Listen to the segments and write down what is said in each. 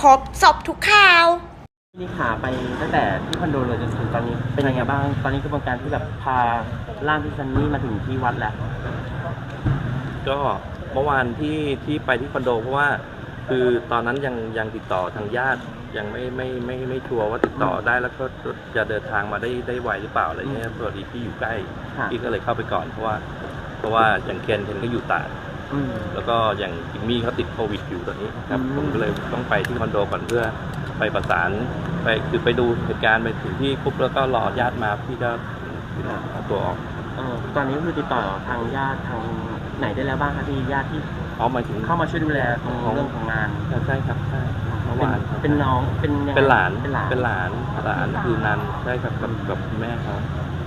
รบจบทุกข่าวนี่ขาไปตั้งแต่ที่คอนโดเลยจนถึงตอนนี้เป็นยังไงบ้างตอนนี้กระบวนการที่แบบพาร่างพี่ซันนี่มาถึงที่วัดแล้วก็เมื่อวานที่ไปที่คอนโดเพราะว่าคือตอนนั้นยังติดต่อทางญาติยังไม่ชัวร์ว่าติดต่อได้แล้วก็จะเดินทางมาได้ไวหรือเปล่าอะไรเงี้ยพอดีพี่อยู่ใกล้พี่ก็เลยเข้าไปก่อนเพราะว่าอย่างเคนก็อยู่ตราดแล้วก็อย่างจิมมี่เขาติดโควิดอยู่ตอนนี้ครับผมก็เลยต้องไปที่คอนโดก่อนเพื่อไปประสานไปดูเหตุการณ์ไปถึงที่ปุ๊บแล้วก็รอญาติมาพี่ก็เอาตัวออกตอนนี้คือติดต่อทางญาติทางไหนได้แล้วบ้างคะที่ญาติที่เอามาถึงเข้ามาช่วยดูแลตรงเรื่องของงานใช่ครับใช่เมื่อวานเป็นน้องเป็นหลานคือนันใช่ครับกับแม่เขา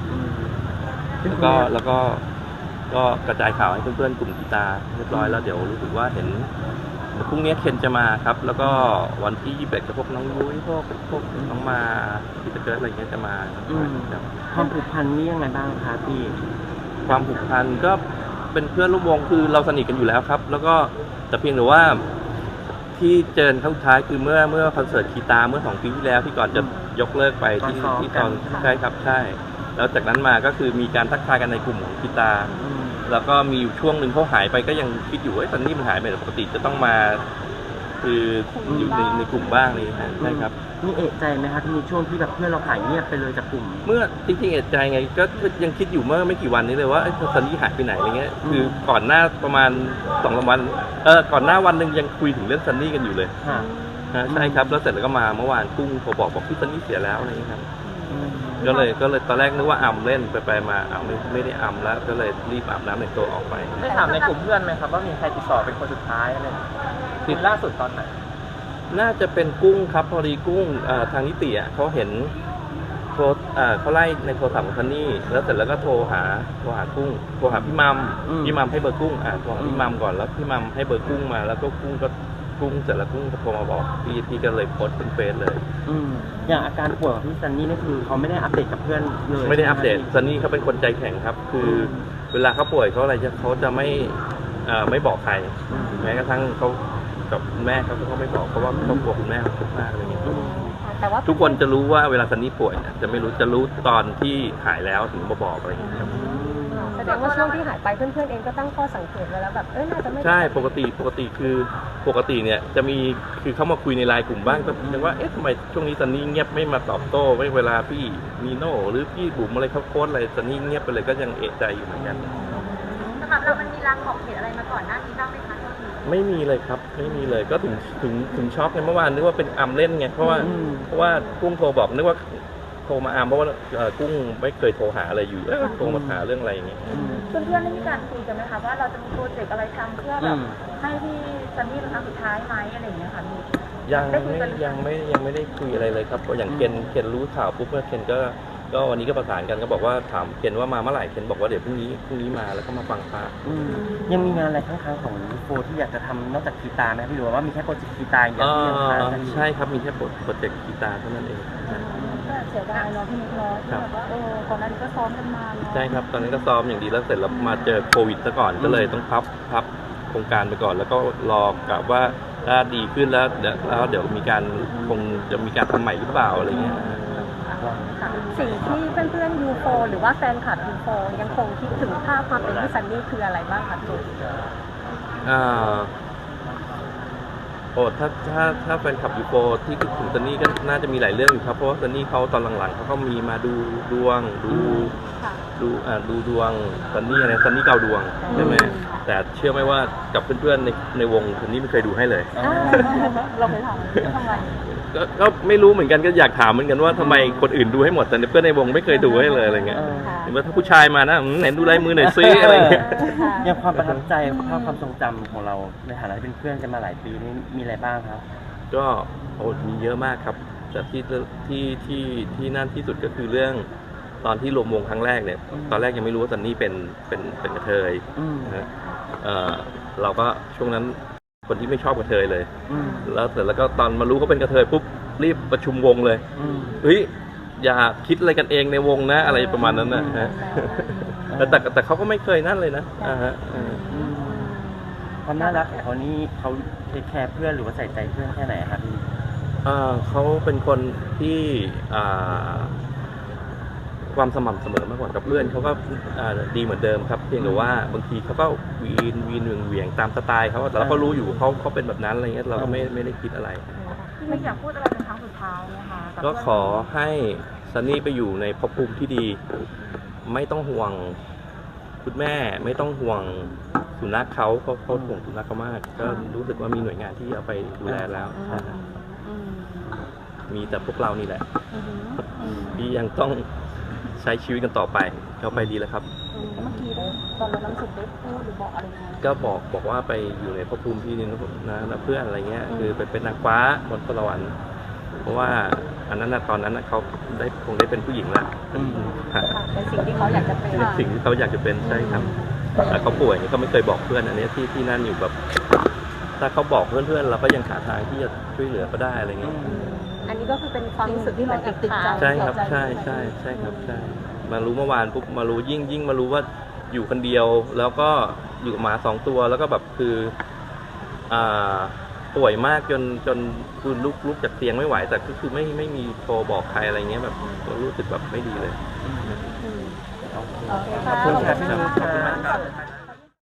แล้วก็กระจายข่าวให้เพื่อนๆกลุ่มกีตาร์เรียบร้อยแล้วเดี๋ยวรู้สึกว่าเห็นพรุ่งนี้เคนจะมาครับแล้วก็วันที่21กับพวกน้องยุ้ยพวกน้องมาที่จะเกิดอะไรเงี้ยจะมาความผูกพันนี่ยังไงบ้างคะพี่ความผูกพันก็เป็นเพื่อนร่วมวงคือเราสนิทกันอยู่แล้วครับแล้วก็แต่เพียงแต่ว่าที่เจอครั้งสุดท้ายคือเมื่อคอนเสิร์ตกีตาร์เมื่อ2 ปีที่แล้วที่ก่อนจะยกเลิกไปที่ตอนใช่ครับใช่แล้วจากนั้นมาก็คือมีการทักทายกันในกลุ่มของกีตาร์แล้วก็มีอยู่ช่วงหนึ่งเขาหายไปก็ยังคิดอยู่ว่าตอนนี้มันหายไปปกติจะต้องมาคืออยู่ในกลุ่มบ้างเลยใช่ครับนี่เอะใจไหมคะที่มีช่วงที่แบบเพื่อนเราหายเงียบไปเลยจากกลุ่มเมื่อจริงๆเอะใจไงก็ยังคิดอยู่เมื่อไม่กี่วันนี้เลยว่าตอนนี้หายไปไหนอะไรเงี้ยคือก่อนหน้าประมาณ2-3 วันก่อนหน้าวันหนึ่งยังคุยถึงเรื่องซันนี่กันอยู่เลยใช่ครับแล้วเสร็จแล้วก็มาเมื่อวานกุ้งโทรบอกพี่ซันนี่เสียแล้วอะไรเงี้ยครับก็เลยตอนแรกนึกว่าอัมเล่นไปมาไม่ได้อัมแล้วก็เลยรีบอาบน้ำในตัวออกไปได้ถามในกลุ่มเพื่อนไหมครับว่ามีใครติดต่อเป็นคนสุดท้ายอะไรติดล่าสุดตอนไหนน่าจะเป็นกุ้งครับพอดีกุ้งทางนิติเขาเห็นเขาไล่ในโทรศัพท์ของซันนี่แล้วเสร็จแล้วก็โทรหากุ้งโทรหาพี่มัมให้เบอร์กุ้งโทรหาพี่มัมก่อนแล้วพี่มัมให้เบอร์กุ้งมาแล้วก็กุ้งเสร็จแล้วกุ้งโทรมาบอกพี่ก็เลยโพสต์เป็นเฟซเลยอย่างอาการป่วยของพี่ซันนี่นี่คือเขาไม่ได้อัปเดตกับเพื่อนเลยไม่ได้อัปเดตซันนี่เขาเป็นคนใจแข็งครับคือเวลาเขาป่วยเขาอะไรเขาจะไม่บอกใครแม้กระทั่งเขากับแม่เขาก็ไม่บอกเพราะว่าเขากลัวคุณแม่เขาทุกข์มากอะไรเงี้ยแต่ว่าทุกคนจะรู้ว่าเวลาซันนี่ป่วยจะไม่รู้จะรู้ตอนที่หายแล้วถึงมาบอกอะไรเงี้ยครับแสดงว่าช่วงที่หายไปเพื่อนๆเองก็ตั้งข้อสังเกตไว้แล้วแบบน่าจะไม่ใช่ปกติคือปกติเนี่ยจะมีคือเขามาคุยในไลน์กลุ่มบ้างก็ยังว่าทำไมช่วงนี้ซันนี่เงียบไม่มาตอบโต้ไม่เวลาพี่มีโน่หรือพี่บุ๋มอะไรเขาโค้ดอะไรซันนี่เงียบไปเลยก็ยังเอะใจอยู่เหมือนกันสำหรับเรามันมีรางบอกเหตุอะไรมาก่อนหน้านี้บ้างไหมคะไม่มีเลยครับไม่มีเลยก็ถึงช็อกไงเมื่อวานนึกว่าเป็นอัมเล่นไงเพราะว่ากุ้งโทรบอกนึกว่าโทรมาอัมเพราะว่ากุ้งไม่เคยโทรหาอะไรอยู่โทรมาหาเรื่องอะไรอย่างเงี้ยเพื่อนๆได้มีการคุยกันไหมคะว่าเราจะมีโปรเจกต์อะไรทำเพื่อแบบให้พี่ซันนี่เป็นครั้งสุดท้ายไหมอะไรอย่างเงี้ยค่ะยังไม่ได้คุยอะไรเลยครับอย่างเคนรู้ข่าวปุ๊บเมื่อเคนก็วันนี้ก็ประสานกันก็บอกว่าถามเคนว่ามาเมื่อไหร่เคนบอกว่าเดี๋ยวพรุ่งนี้มาแล้วก็มาฟังพระยังมีงานอะไรข้างๆของโฟที่อยากจะทำนอกจากกีตาร์ไหมพี่หรือว่ามีแค่โปรเจกต์กีตาร์อย่างเดียวที่ยังค้างกันใช่ครับมีแค่โปรเจกต์กีตาร์เท่านั้นเองเสียดายเนาะพี่นิกเนาะที่แบบว่าก่อนหน้านี้ก็ซ้อมกันมาใช่ครับตอนนี้ก็ซ้อมอย่างดีแล้วเสร็จแล้วมาเจอโควิดซะก่อนก็เลยต้องพับโครงการไปก่อนแล้วก็รอกะว่าถ้าดีขึ้นแล้วเดี๋ยวคงจะมีการทำใหม่หรือเปล่าอะไรเงี้ยสิ่งที่เพื่อนๆยูโฟหรือว่าแฟนคลับยูโฟยังคงคิดถึงภาพความเป็นพี่ซันนี่คืออะไรบ้างคะพี่ถ้าแฟนคลับยูโฟที่คิดถึงซันนี่ก็น่าจะมีหลายเรื่องอยู่ครับเพราะว่าซันนี่เขาตอนหลังๆเขาก็มีมาดูดวงดูดวงซันนี่อะไรซันนี่เกาดวงใช่ไหมแต่เชื่อไหมว่ากับเพื่อนๆในวงซันนี่ไม่เคยดูให้เลยเราเคยทำไมก็ไม่รู้เหมือนกันก็อยากถามเหมือนกันว่าทำไมคนอื่นดูให้หมดแต่เพื่อนในวงไม่เคยดูให้เลยอะไรเงี้ยเห็นว่าถ้าผู้ชายมานะไหนดูลายมือหน่อยซิอะไรเงี้ยยังความประทับใจภาพความทรงจำของเราในฐานะที่เป็นเพื่อนกันมาหลายปีนี้มีอะไรบ้างครับก็มีเยอะมากครับแต่ที่นั่นที่สุดก็คือเรื่องตอนที่รวมวงครั้งแรกเนี่ยตอนแรกยังไม่รู้ว่าซันนี่เป็นกระเทยนะเราก็ช่วงนั้นคนที่ไม่ชอบกระเทยเลยแล้วเสร็จแล้วก็ตอนมารู้เขาเป็นกระเทยปุ๊บรีบประชุมวงเลยเฮ้ยอย่าคิดอะไรกันเองในวงนะอะไรประมาณนั้นนะฮะแต่เขาก็ไม่เคยนั่นเลยนะความน่ารักของเขานี่เขาเทคแคร์เพื่อนหรือว่าใส่ใจเพื่อนแค่ไหนครับพี่เขาเป็นคนที่ความสม่ำเสมอมากกว่ากับเพื่อนเขาก็ดีเหมือนเดิมครับเพียงแต่ว่าบางทีเขาก็วีนเหวี่ยงตามสไตล์เขาแต่เราก็รู้อยู่เขาเป็นแบบนั้นอะไรเงี้ยเราก็ไม่ได้คิดอะไรไม่อยากพูดอะไรเป็นครั้งสุดท้ายนะคะบก็ขอให้ซันนี่ไปอยู่ในภพภูมิที่ดี ไม่ต้องห่วงคุณแม่ไม่ต้องห่วงสุนัขเขาห่วงสุนัขเขามาก ก็รู้สึกว่ามีหน่วยงานที่เอาไปดูแลแล้วใช่ครับมีแต่พวกเรานี่แหละที่ยังต้องใช้ชีวิตกันต่อไปเขาไปดีแล้วครับเมื่อกี้ได้ตอนเราน้ำสุดได้พูดหรือบอกอะไรไหมก็บอกว่าไปอยู่ในภพภูมิที่ดีนะเพื่อนอะไรเงี้ยคือไปเป็นนางฟ้าบนสวรรค์เพราะว่าอันนั้นตอนนั้นเขาคงได้เป็นผู้หญิงละค่ะเป็นสิ่งที่เขาอยากจะเป็นสิ่งที่เขาอยากจะเป็นใช่ครับแต่เขาป่วยเขาไม่เคยบอกเพื่อนอันนี้ที่นั่นอยู่แบบถ้าเขาบอกเพื่อนๆเราก็ยังหาทางที่จะช่วยเหลือก็ได้อะไรเงี้ยอันนี้ก็คือเป็นความรู้สึกที่เราติดใจใช่ครับใช่ครับใช่มารู้เมื่อวานปุ๊บมารู้ยิ่งมารู้ว่าอยู่คนเดียวแล้วก็อยู่กับหมา2 ตัวแล้วก็แบบคือป่วยมากจนคือลุกจากเตียงไม่ไหวแต่ก็คือไม่มีโทรบอกใครอะไรเงี้ยแบบรู้สึกแบบไม่ดีเลยโอเคขอบคุณครับขอบคุณมากขอบคุณมากครับ